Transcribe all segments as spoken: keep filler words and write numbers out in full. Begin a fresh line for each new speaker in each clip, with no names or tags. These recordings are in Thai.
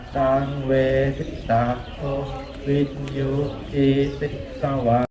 ตังเวทิตาโอวิญญูอิติสวะ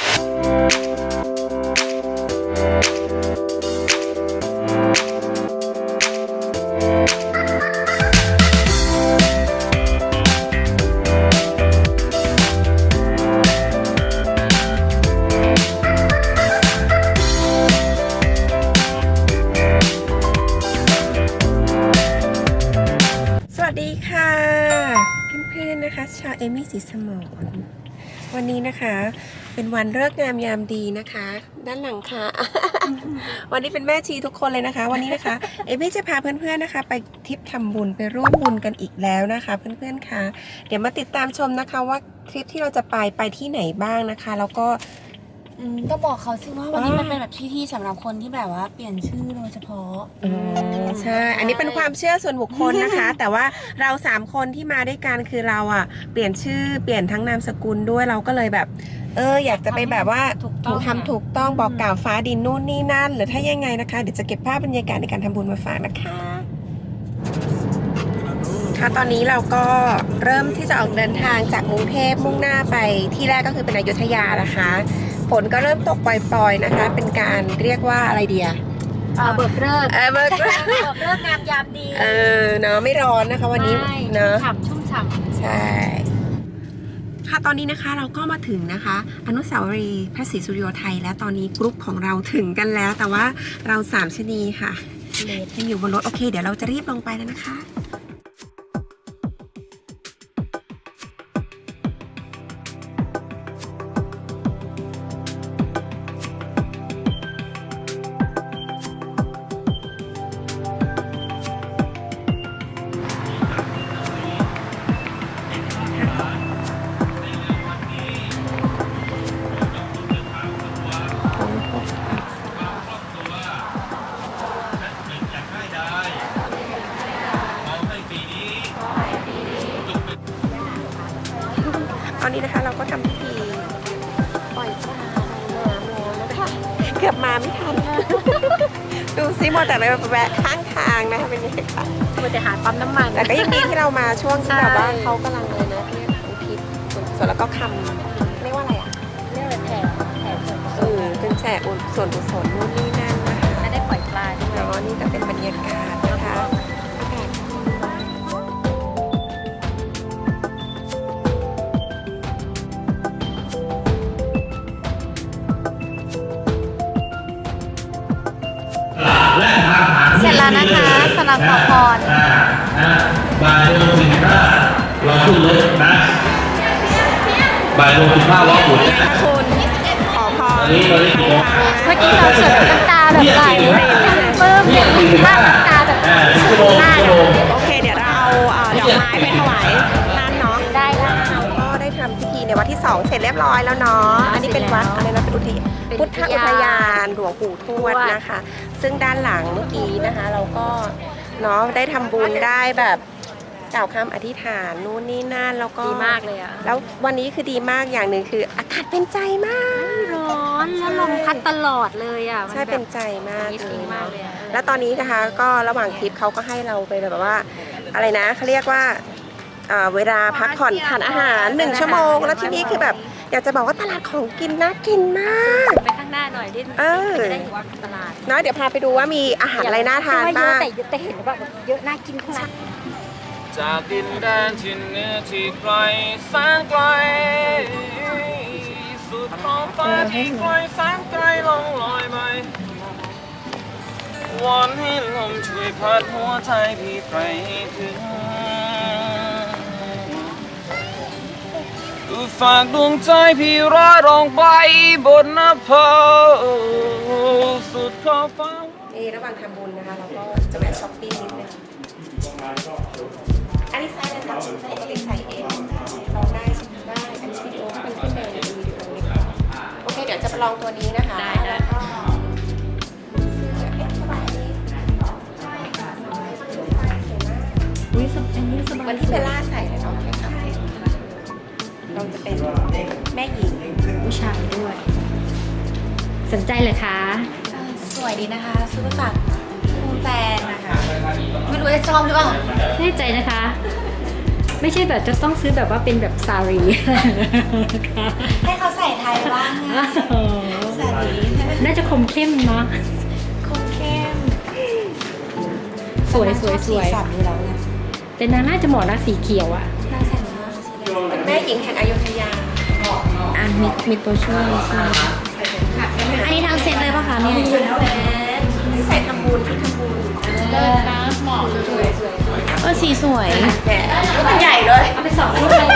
สวัสดีค่ะเพื่อนๆนะคะชาวเอมี่สีสมรวันนี้นะคะเป็นวันฤกษ์งามยามดีนะคะด้านหลังค่ะ วันนี้เป็นแม่ชีทุกคนเลยนะคะวันนี้นะคะเอมี่จะพาเพื่อนๆนะคะไปทริปทำบุญไปร่วมบุญกันอีกแล้วนะคะเพื่อนๆค่ะเดี๋ยวมาติดตามชมนะคะว่าทริปที่เราจะไปไปที่ไหนบ้างนะคะแล้วก็
ก็บอกเขาสิว่าวันนี้มันเป็นแบบที่ที่สำหรับคนที่แบบว่าเปลี่ยนชื่อโดยเฉพาะ
อ๋อใช่อันนี้เป็นความเชื่อส่วนบุคคลนะคะ แต่ว่าเราสามคนที่มาด้วยกันคือเราอ่ะเปลี่ยนชื่อเปลี่ยนทั้งนามสกุลด้วยเราก็เลยแบบเอออยากจะไปแบบว่าถูกทำถูกต้องบอกกล่าวฟ้าดินนู่นนี่นั่นหรือถ้ายังไงนะคะเดี๋ยวจะเก็บภาพบรรยากาศในการทำบุญมาฝากนะคะค่ะตอนนี้เราก็เริ่มที่จะออกเดินทางจากกรุงเทพมุ่งหน้าไปที่แรกก็คือเป็นอยุธยานะคะฝนก็เริ่มตกปล่อยๆนะคะเป็นการเรียกว่าอะไรเดีย
เบิกเลิก
เออเบิกเลิก
เบิกเลิกงามยามดี
เออเนาะไม่ร้อนนะคะวันนี้เนาะ
ฉ่ำชุ่มฉ่ำ
ใช่ค่ะตอนนี้นะคะเราก็มาถึงนะคะอนุสาวรีย์พระศรีสุริโยไทยและตอนนี้กรุ๊ปของเราถึงกันแล้วแต่ว่าเราสามชนีค่ะยังอยู่บนรถโอเคเดี๋ยวเราจะรีบลงไปแล้วนะคะตอนนี้นะคะเราก็ทำพิธีปล่อยปลาในน้ำแล้วนะคะเกือบมาไม่ทัน ดูซิมัวแต่ไปแวะข้างทางนะคะเป็นยังไงคะ
มันจะหาปั๊มน้ำมัน
แต่ก็ยังดีที่เรามาช่วงที่แบบว่าเขากำลังเลยนะที่อุทิศส่วนแล้วก็คำเรียกว่าอะไรอ่ะ
เรียกอะไรแผ่แผ่ส่วน
เออเป็นแสบส่วนกุศลนู่นนี่นั่นนะคะ
ไม่ได้ปล่อยปลาด้วย
เนาะนี่ก็เป็นบรรยากาศนะคะ
เสร็จแล้วนะคะสำหรับขอพร
บ่ายโมงสิบห้าเราขึ้นรถนะบ่ายโมงสิบห้าล้อหมุนนะ
คุณขอพร
นี้ตอนนี้กี่โมง
เมื่อกี้เราเสิร์ฟน้ำตาแบบไหลเพิ่มภาพน้ำตาแบบหน้า
โอเคเดี๋ยวเราเอาดอกไม้ไปถวายท่านเนาะ
ได้แล้ว
ก็ได้ทำพิธีในวัดที่สองเสร็จเรียบร้อยแล้วเนาะอันนี้เป็นวัดอะไรนะเป็นอุทยานพุทธอุทยานหลวงปู่ทวดนะคะซึ่งด้านหลังเมื่อกี้นะคะเราก็เนาะได้ทำบุญได้แบบกล่าวคำอธิษฐานนู่นนี่นั่นแล้วก็
ดีมากเลยอะ
แล้ววันนี้คือดีมากอย่างหนึ่งคืออากาศเป็นใจมาก
ร้อนแล้วลมพัดตลอดเลยอะ
ใช่เป็นใจมากเลยแล้วตอนนี้นะคะก็ระหว่างทริปเขาก็ให้เราไปแบบว่าอะไรนะเขาเรียกว่าเวลาพักผ่อนทานอาหารหนึ่งชั่วโมงแล้วที่นี่คือแบบอยากจะบอกว่าตลาดของกินน่ากินมาก
ไปข้างหน้าหน่อยที่จะได้เห็นว่าตลาด
เนาะเดี๋ยวพาไปดูว่ามีอาหารอะไรน่าทานบ้าง
แต่แต่เห็นว่าเยอะน่ากินทั้งนั้น
จากดินแดนที่เหนือที่ไกลแสนไกลสุดท้องฟ้าที่ไกลแสนไกลล่องลอยไปวอนให้ลมช่วยพัดหัวใจพี่ไปถึงฝากดวงใจพี่ร้อยรองไปบนนภาสุดขอบฟ้า
นี่ระหว่างทำบุญนะคะเราก็จะแวะช้อปปิ้งนิดนึงอันนี้ไซส์อะไรคะปกติใส่เองลองได้ใช่ไหมได้อันนี้วิดีโอมันขึ้นในวิดีโอนี้โอเคเดี๋ยวจะไปลองตัวนี้นะคะ
ได้ได้
อุ้ยสบายนี่สบายวันที่เบลล่าใส่เลยเนาะเราจะเป็นแม่หญิง
ผู้ชายด้วยสนใจเลยคะ
สวยดีนะคะซื้อมาฝากคุณแฟนนะคะไม่รู้จะชอบหรือเปล่า
แน่ใจนะคะไม่ใช่แบบจะต้องซื้อแบบว่าเป็นแบบซารี
ให้เขาใส่ไทยบ้างนะใส่ดี
น่าจะคมเข้มเนาะ
คมเข้ม
สวยสวยสวย
สีสันอยู่แล้วไง
แต่นางน่าจะเหมาะนะสีเขียวอ่ะ
น่าใส่มากสีแดง
เป็นแม่หญิงแห่งอยุธยา
อ่ะมีมีตัวช่วยใช่
อันนี้ทำเซ็ตเลยป่ะคะเนี่ย
ใส่ทำบุญที่ทำบุญ
เลิศนะเหมาะเลย
เออสีสวย
แกะมันใหญ่เลย
เอาไปสองรูปเลย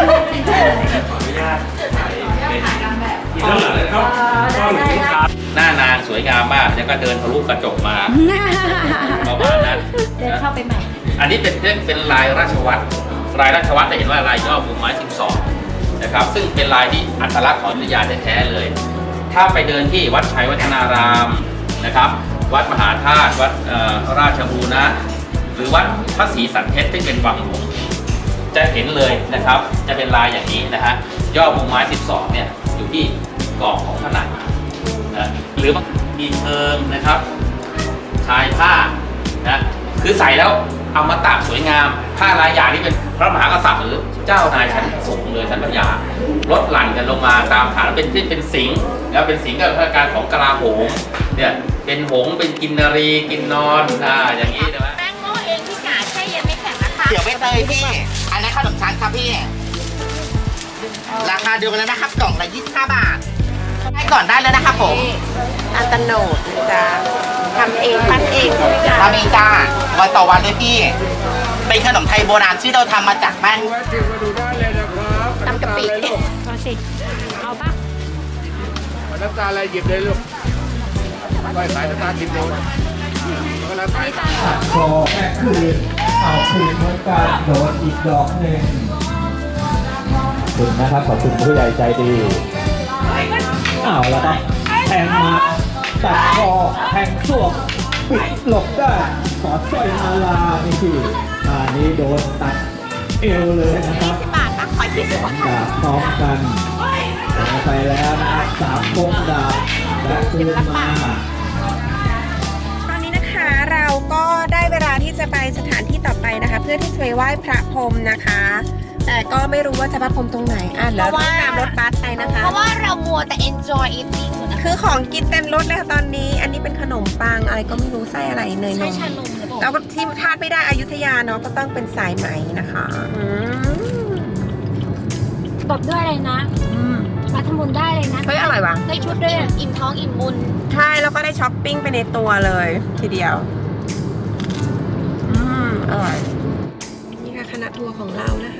หน้านางสวยงามมากแล้วก็เดินทะลุกระจกมาประมาณนั้น
เดินเข้าไปใหม่
อันนี้เป็นเรื่องเป็นลายราชวัตรลายราชวัตรจะเห็นว่าลายย่อมุมไม้สิบสองนะครับซึ่งเป็นลายที่อัตลักษณ์ของอยุธยาแท้ๆเลย ถ้าไปเดินที่วัดชัยวัฒนารามนะครับ วัดมหาธาตุวัดเอ่อราชบูรณะหรือวัดพระศรีสันเพชรซึ่งเป็นวังหลวงจะเห็นเลยนะครับ จะเป็นลายอย่างนี้นะฮะย่อมุมไม้สิบสองเนี่ยอยู่ที่กรอบของผนังนะหรือว่ามีเทิงนะครับชายผ้านะคือใส่แล้วเอามาตากสวยงามผ้าลายอย่างนี้เป็นพระมหากษัตริย์หรือเจ้านายชั้นสูงเลยชั้นพระยาลดหลั่นกันลงมาตามฐานเป็นที่เป็นสิงห์แล้วเป็นสิงห์กับพระการของกลาโหมเนี่ยเป็นหงส์เป็นกินนารีกินนอนอ่าอย่างนี้ใช่ไหม
แป้งโม่เองที่กาแช่เย็นไม่แข็งนะคะ
เดี๋ยวไปเตยพี่ อันนั้นขนมชั้นครับพี่ ราคาเดียวกันแล้วนะครับ กล่องละยี่สิบห้าบาทให้ก่อนได้เลยนะครับผม
อัตโนดจะทำเองปั้นเองใช่ไหมจ๊ะ
ทำเองจ้าวันต่อวันเลยพี่ เป็นขนมไทยโบราณที่เราทำมาจากแป้ง
ทำกะปิ
เอาสิเอาปะ
น้ำตาอะไรหยิบเลยลูกไปสายน้ำตากินโดนก็แล้วไป
พอแม่คืนเอาคืนเหมือนกันโดนอีกดอกหนึ่งขอบคุณนะครับขอบคุณผู้ใหญ่ใจดีเอาแล้วครับแทงมาตัดคอแทงสวกปิดหลบได้ขอสร้อยมาลานี่คืออันนี้โดนตัดเอวเลยนะครับดาบพร้อมกันไปแล้วนะครับสามวงดาบและคืนมา
ตอนนี้นะคะเราก็ได้เวลาที่จะไปสถานที่ต่อไปนะคะ เพื่อที่จะไปไหว้พระพรหมนะคะ แต่ก็ไม่รู้ว่าจะพระพรหมตรงไหนอ่ะเดี๋ยวเราตามรถบัสไปนะคะ
เพราะว่าเรามัวแต่ enjoy eating อยู่นะ
คือของกินเต็มรถเลยค่ะตอนนี้ อันนี้เป็นขนมปังอะไรก็ไม่รู้ไส้อะไรเนยน
ใช่
ม
ชานมหรือเปล่า
แล้วก็ที่พลาดไม่ได้อยุธยาเนาะก็ต้องเป็นสายไหมนะคะอืม
ตบด้วยอะไรนะมาทำบุญได้เลยนะ
เฮ้ยอร่อยว่ะ
ได้ชุดด้วยอะ
อิ่มท้องอิ่มบุญ
ใช่แล้วก็ได้ช้อปปิ้งไปในตัวเลยทีเดียวอืมอร่อยนี่ค่ะคณะทัวร์ของเรานะคะ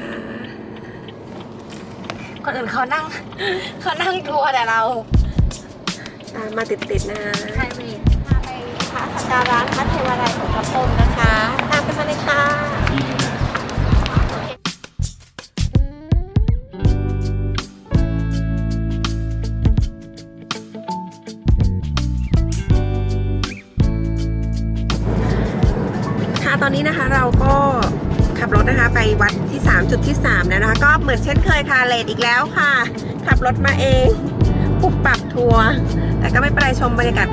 คนอื่นเขานั่ง เขานั่งทัวร์แต่เรา
ตามมาติดๆนะคะ
ไทยรี
พาไปพระสักการะพระเทวราชของพระพรหมนะคะ ตามกันมาเลยค่ะ ค่ะตอนนี้นะคะเราก็ขับรถนะคะไปวัดที่ สาม จุดที่ สาม แล้วนะคะ ก็เหมือนเช่นเคยค่ะเลทอีกแล้วค่ะ ขับรถมาเองปุบปรับทัวร์แต่ก็ไม่เป็นไรชมบรรยากาศ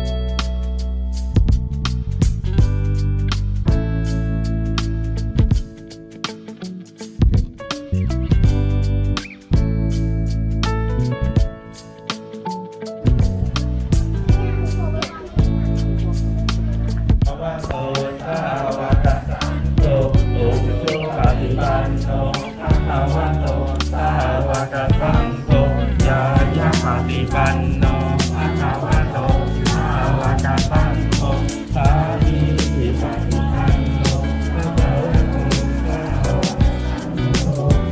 โตสาวกสังโฆโอโชปฏิปันโนภะคะวะโตสาวกสังโฆยายะปฏิปันโนภะคะวะโตสาวกสังโฆสามีจิปฏิปันโนภะคะวะโตสาวกสังโฆ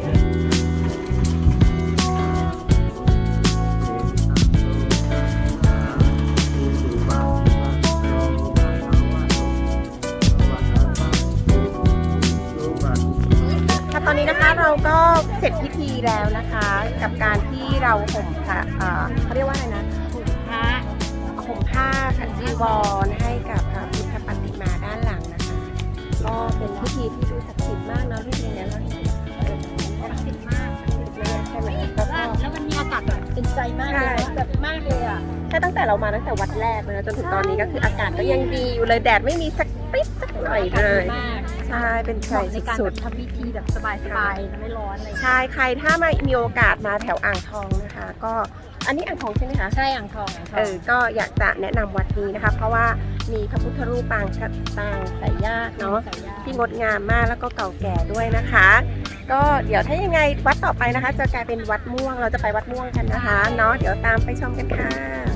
ค่ะตอนนี้นะคะเราก็เสร็จพิธีแล้วนะคะ กับการที่เราห่มค่ะเอ่อเขาเรียกว่าอะไรนะห่มผ้าห่มผ้าขันจีวรให้กับพระพุทธปฏิมาด้านหลังนะคะ ก็เป็นพิธีที่ดูศักดิ์สิทธิ์มากเนาะพี่เองนะเราเห็นเออศักดิ์สิทธิ์มากศักดิ์สิทธิ์เลยใช่ไหมแล้วก็
แล้วมันมีอากาศแบบเป็นใจมากเลยนะแบบมากเลยอ่ะ
ใช่ตั้งแต่เรามาตั้งแต่วัดแรกเลยนะจนถึงตอนนี้ก็คืออากาศก็ยังดีอยู่เลยแดดไม่มีสักปิ๊บสักหน่อยเลย
มาก
ใช่ใช่เป็นไทย
ในการ
สุ
แบ
ด
บทำพิธีแบบสบายๆไม่ร้อนอะไร
ๆใช่ใครถ้ามามีโอกาสมาแถวอ่างทองนะคะ ก็อันนี้อ่างทองใช่ไหมคะ
ใช่อ่างทองอ่างทอง
เออก็อยากจะแนะนำวัดนี้นะคะ เพราะว่ามีพระพุทธรูปปางปางสายญาติเนาะที่งดงามมากแล้วก็เก่าแก่ด้วยนะคะ ก็เดี๋ยวถ้ายังไงวัดต่อไปนะคะ จะกลายเป็นวัดม่วงเราจะไปวัดม่วงกันนะคะเนาะเดี๋ยวตามไปชมกันค่ะ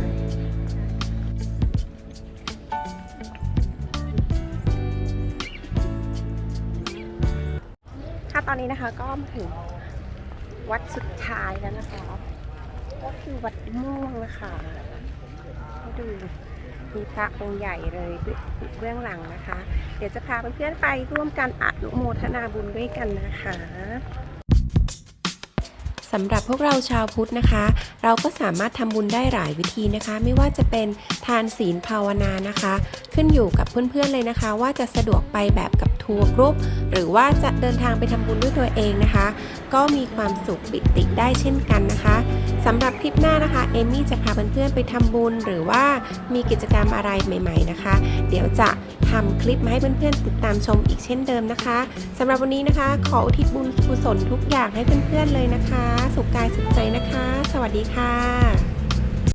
ค่ะตอนนี้นะคะก็มาถึงวัดสุดท้ายแล้วนะคะก็คือวัดม่วงนะคะให้ดูมีพระองค์ใหญ่เลยเบื้องหลังนะคะ เดี๋ยวจะพาเพื่อนๆไปร่วมกันอนุโมทนาบุญด้วยกันนะคะสำหรับพวกเราชาวพุทธนะคะ เราก็สามารถทำบุญได้หลายวิธีนะคะ ไม่ว่าจะเป็นทานศีลภาวนานะคะ ขึ้นอยู่กับเพื่อนๆเลยนะคะ ว่าจะสะดวกไปแบบกับทัวร์กรุ๊ปหรือว่าจะเดินทางไปทำบุญด้วยตัวเองนะคะ ก็มีความสุขปิติได้เช่นกันนะคะสำหรับคลิปหน้านะคะเอมี่จะพาเพื่อนๆไปทำบุญหรือว่ามีกิจกรรมอะไรใหม่ๆนะคะ เดี๋ยวจะทำคลิปมาให้เพื่อนๆติดตามชมอีกเช่นเดิมนะคะสำหรับวันนี้นะคะ ขออุทิศบุญกุศลทุกอย่างให้เพื่อนๆเลยนะคะ สุขกายสุขใจนะคะ สวัสดีค่ะ